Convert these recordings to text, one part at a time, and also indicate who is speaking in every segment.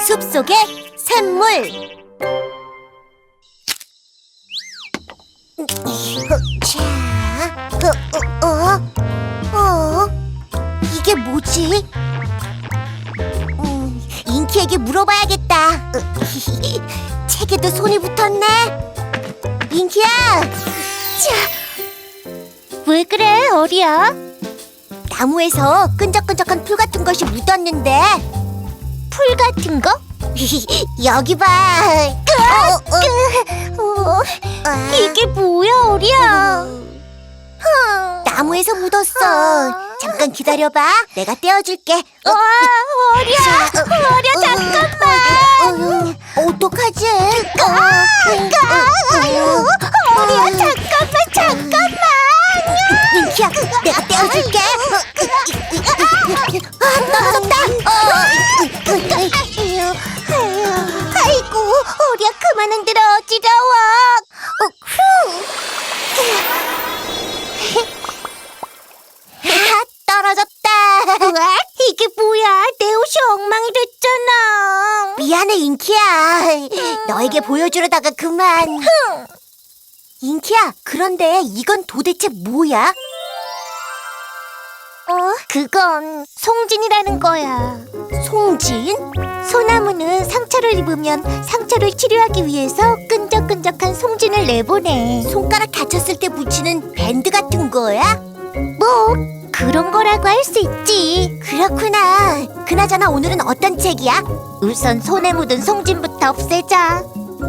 Speaker 1: 숲속의 샘물. 이게 뭐지? 인키에게 물어봐야겠다. 책에도 손이 붙었네. 인키야! 왜 그래, 어리야? 나무에서 끈적끈적한 풀 같은 것이 묻었는데. 풀 같은 거? 여기 봐. 이게 뭐야, 어리야? 나무에서 묻었어. 잠깐 기다려봐. 내가 떼어줄게. 어리야, 잠깐만. 어떡하지? 어리야, 잠깐만. 인키야, 내가 떼어줄게. 떨어졌다. 아이고, 어리야, 그만 흔들어. 어지러워. 떨어졌다. 이게 뭐야? 내 옷이 엉망이 됐잖아. 미안해, 인키야. 너에게 보여주려다가 그만. 인키야, 그런데 이건 도대체 뭐야? 그건 송진이라는 거야. 송진? 소나무는 상처를 입으면 상처를 치료하기 위해서 끈적끈적한 송진을 내보내. 손가락 다쳤을 때 붙이는 밴드 같은 거야? 뭐 그런 거라고 할 수 있지. 그렇구나. 그나저나 오늘은 어떤 책이야? 우선 손에 묻은 송진부터 없애자.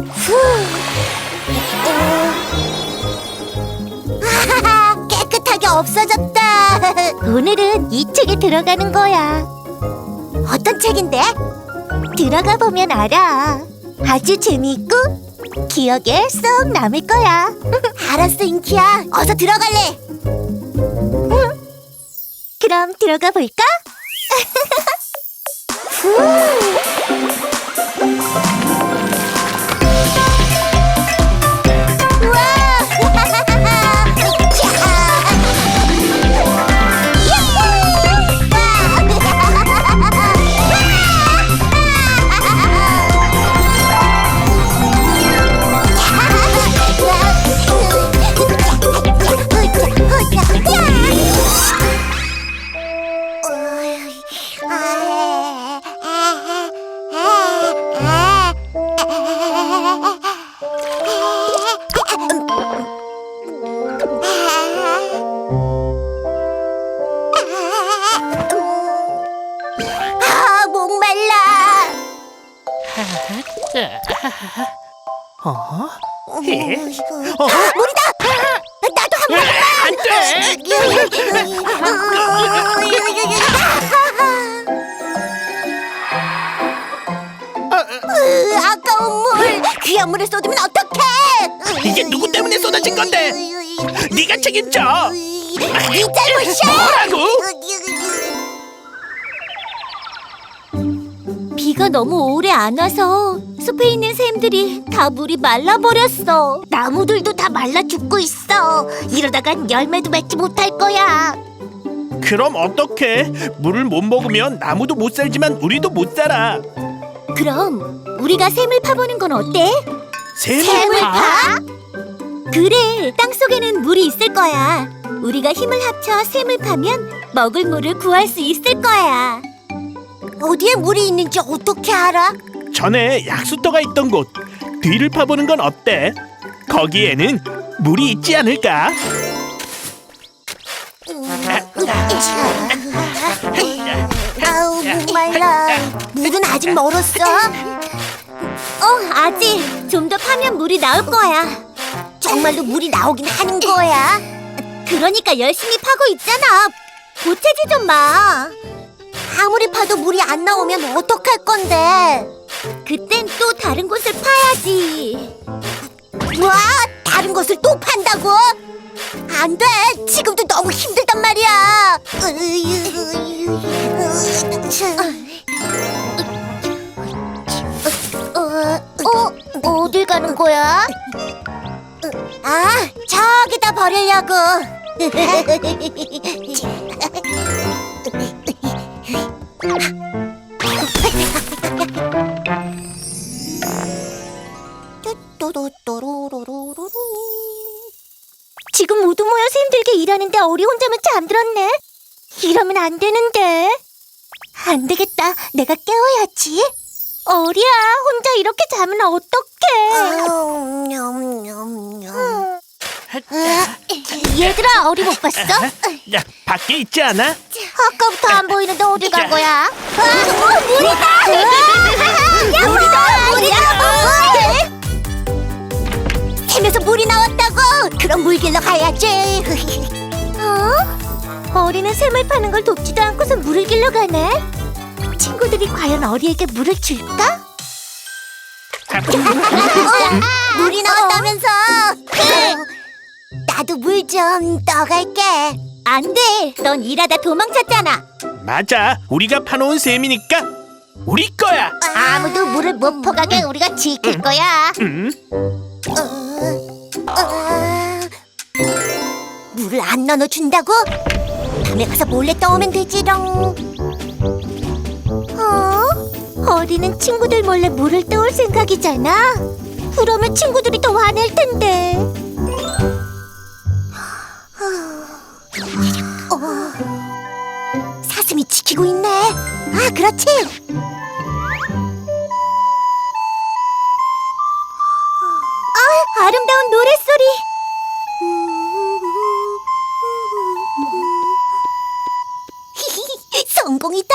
Speaker 1: 아하하, 깨끗하게 없어졌다. 오늘은 이 책에 들어가는 거야. 어떤 책인데? 들어가 보면 알아. 아주 재미있고 기억에 쏙 남을 거야. 알았어, 인키야. 어서 들어갈래. 그럼 들어가 볼까? 물이다! 나도 한 번만!
Speaker 2: 안 돼!
Speaker 1: 아까운 물! 귀한 물을 쏟으면 어떡해!
Speaker 2: 이게 누구 때문에 쏟아진 건데? 네가 책임져!
Speaker 1: 네 잘못이야!
Speaker 2: 뭐라고?
Speaker 1: 비가 너무 오래 안 와서 숲에 있는 샘들이 다 물이 말라버렸어. 나무들도 다 말라 죽고 있어. 이러다간 열매도 맺지 못할 거야.
Speaker 2: 그럼 어떡해? 물을 못 먹으면 나무도 못 살지만 우리도 못 살아.
Speaker 1: 그럼 우리가 샘을 파보는 건 어때?
Speaker 2: 샘을 파?
Speaker 1: 그래, 땅속에는 물이 있을 거야. 우리가 힘을 합쳐 샘을 파면 먹을 물을 구할 수 있을 거야. 어디에 물이 있는지 어떻게 알아?
Speaker 2: 전에 약수터가 있던 곳 뒤를 파보는 건 어때? 거기에는 물이 있지 않을까?
Speaker 1: 아우, 목말라. 물은 아직 멀었어? 아직. 좀 더 파면 물이 나올 거야. 정말로 물이 나오긴 하는 거야. 그러니까 열심히 파고 있잖아. 보채지 좀 마. 아무리 파도 물이 안 나오면 어떡할 건데? 그땐 또 다른 곳을 파야지. 와, 다른 곳을 또 판다고? 안 돼. 지금도 너무 힘들단 말이야. 어딜 가는 거야? 아, 저기다 버리려고. 일하는데 어리 혼자만 잠들었네. 이러면 안 되는데. 안 되겠다. 내가 깨워야지. 어리야, 혼자 이렇게 자면 어떡해. 얘들아, 어리 못 봤어?
Speaker 2: 야, 밖에 있지 않아?
Speaker 1: 아까부터 안 보이는데 어디 간 거야? 물이다! 야, 물이다! 샘에서 물이 나왔다고! 그럼 물 길러 가야지. 어리는 샘을 파는 걸 돕지도 않고서 물을 길러 가네. 친구들이 과연 어리에게 물을 줄까? 물이 나왔다면서? 나도 물 좀 떠갈게. 안 돼. 넌 일하다 도망쳤잖아.
Speaker 2: 맞아, 우리가 파놓은 셈이니까 우리 거야.
Speaker 1: 아무도 물을 못 퍼가게 우리가 지킬 거야. 물을 안 나눠준다고? 밤에 가서 몰래 떠오면 되지롱. 어리는 친구들 몰래 물을 떠올 생각이잖아. 그러면 친구들이 더 화낼 텐데. 사슴이 지키고 있네. 아, 그렇지. 아름다운 노랫소리. 성공이다.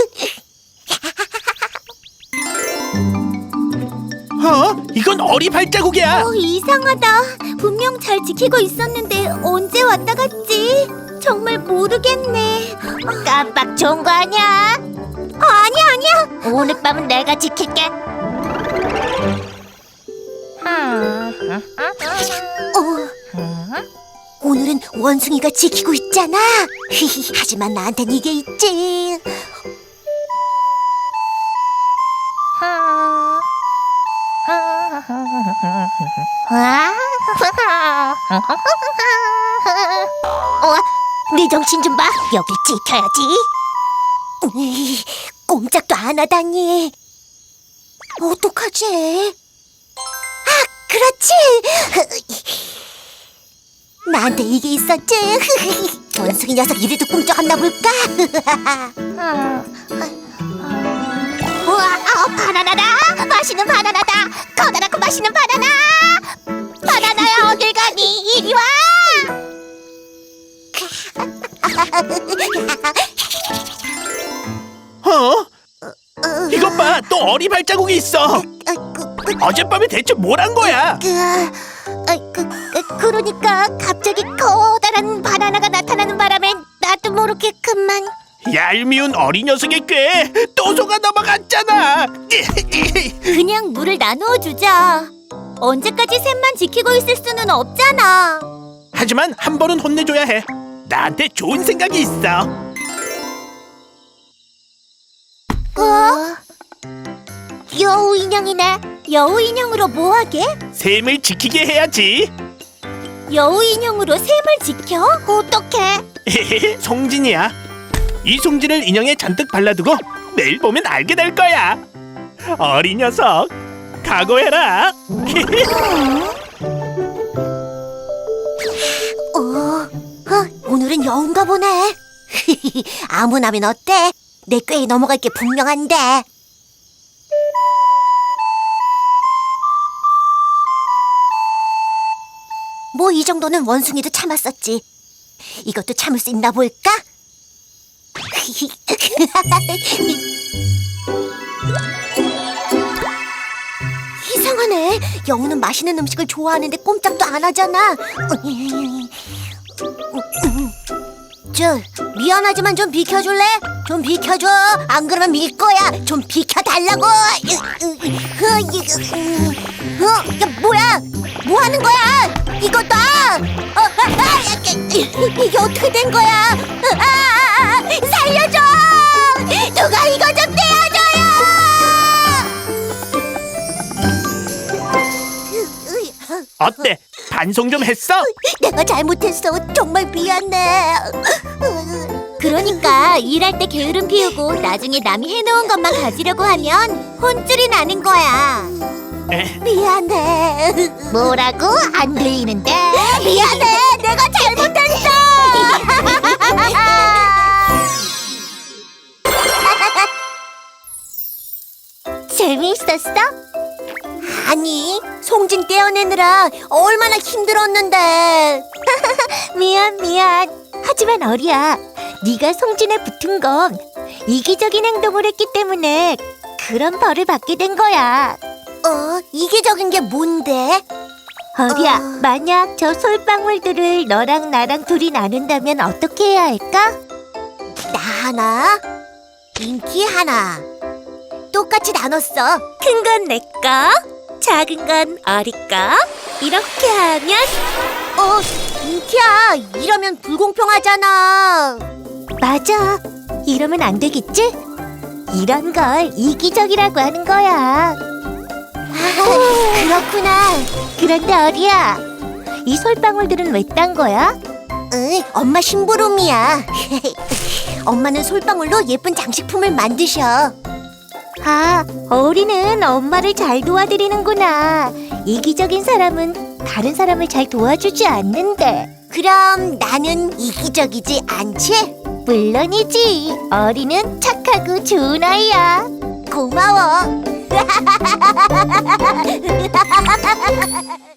Speaker 2: 이건 어리 발자국이야.
Speaker 1: 이상하다. 분명 잘 지키고 있었는데 언제 왔다 갔지? 정말 모르겠네. 깜빡 좋은 거 아니야? 아니야. 오늘 밤은 내가 지킬게. 오늘은 원숭이가 지키고 있잖아. 하지만 나한텐 이게 있지. 네 정신 좀 봐. 여길 지켜야지. 꼼짝도 안 하다니. 어떡하지? 그렇지. 나한테 이게 있었지. 원숭이 녀석 이래도 꿈쩍었나 볼까? 우와, 바나나다. 맛있는 바나나다. 커다랗고 맛있는 바나나. 바나나야, 어딜 가니? 이리 와.
Speaker 2: 이것 봐, 또 어리 발자국이 있어. 어젯밤에 대체 뭘 한 거야?
Speaker 1: 그러니까 갑자기 커다란 바나나가 나타나는 바람에 나도 모르게 그만.
Speaker 2: 얄미운 어리 녀석의 꾀에 또 속아 넘어갔잖아.
Speaker 1: 그냥 물을 나누어 주자. 언제까지 샘만 지키고 있을 수는 없잖아.
Speaker 2: 하지만 한 번은 혼내줘야 해. 나한테 좋은 생각이 있어.
Speaker 1: 여우 인형이네. 여우 인형으로 뭐 하게?
Speaker 2: 샘을 지키게 해야지.
Speaker 1: 여우 인형으로 샘을 지켜? 어떡해?
Speaker 2: 송진이야. 이 송진을 인형에 잔뜩 발라두고 매일 보면 알게 될 거야. 어린 녀석, 각오해라.
Speaker 1: 오늘은 여운가 보네. 아무나면 어때? 내 꾀에 넘어갈 게 분명한데. 뭐 이 정도는 원숭이도 참았었지. 이것도 참을 수 있나 볼까? 이상하네. 여우는 맛있는 음식을 좋아하는데 꼼짝도 안 하잖아. 미안하지만 좀 비켜줄래? 좀 비켜줘. 안 그러면 밀 거야. 좀 비켜달라고. 야, 뭐야? 뭐 하는 거야? 이거 놔. 이게 어떻게 된 거야? 살려줘. 누가 이거 좀 떼어줘요.
Speaker 2: 어때? 반송 좀 했어?
Speaker 1: 내가 잘못했어. 정말 미안해. 그러니까 일할 때 게으름 피우고 나중에 남이 해놓은 것만 가지려고 하면 혼쭐이 나는 거야. 미안해. 뭐라고? 안 들리는데? 미안해. 내가 잘못했어. 재미있었어? 아니, 송진 떼어내느라 얼마나 힘들었는데. 미안. 하지만 어리야, 네가 송진에 붙은 건 이기적인 행동을 했기 때문에 그런 벌을 받게 된 거야. 이기적인 게 뭔데? 어리야, 만약 저 솔방울들을 너랑 나랑 둘이 나눈다면 어떻게 해야 할까? 나 하나, 인기 하나. 똑같이 나눴어. 큰 건 내 거, 작은 건 어리 거. 이렇게 하면 인기야, 이러면 불공평하잖아. 맞아. 이러면 안 되겠지? 이런 걸 이기적이라고 하는 거야. 그렇구나. 그런데 어리야, 이 솔방울들은 왜 딴 거야? 엄마 심부름이야. 엄마는 솔방울로 예쁜 장식품을 만드셔. 아, 어리는 엄마를 잘 도와드리는구나. 이기적인 사람은 다른 사람을 잘 도와주지 않는데. 그럼 나는 이기적이지 않지? 물론이지. 어리는 착하고 좋은 아이야. 고마워.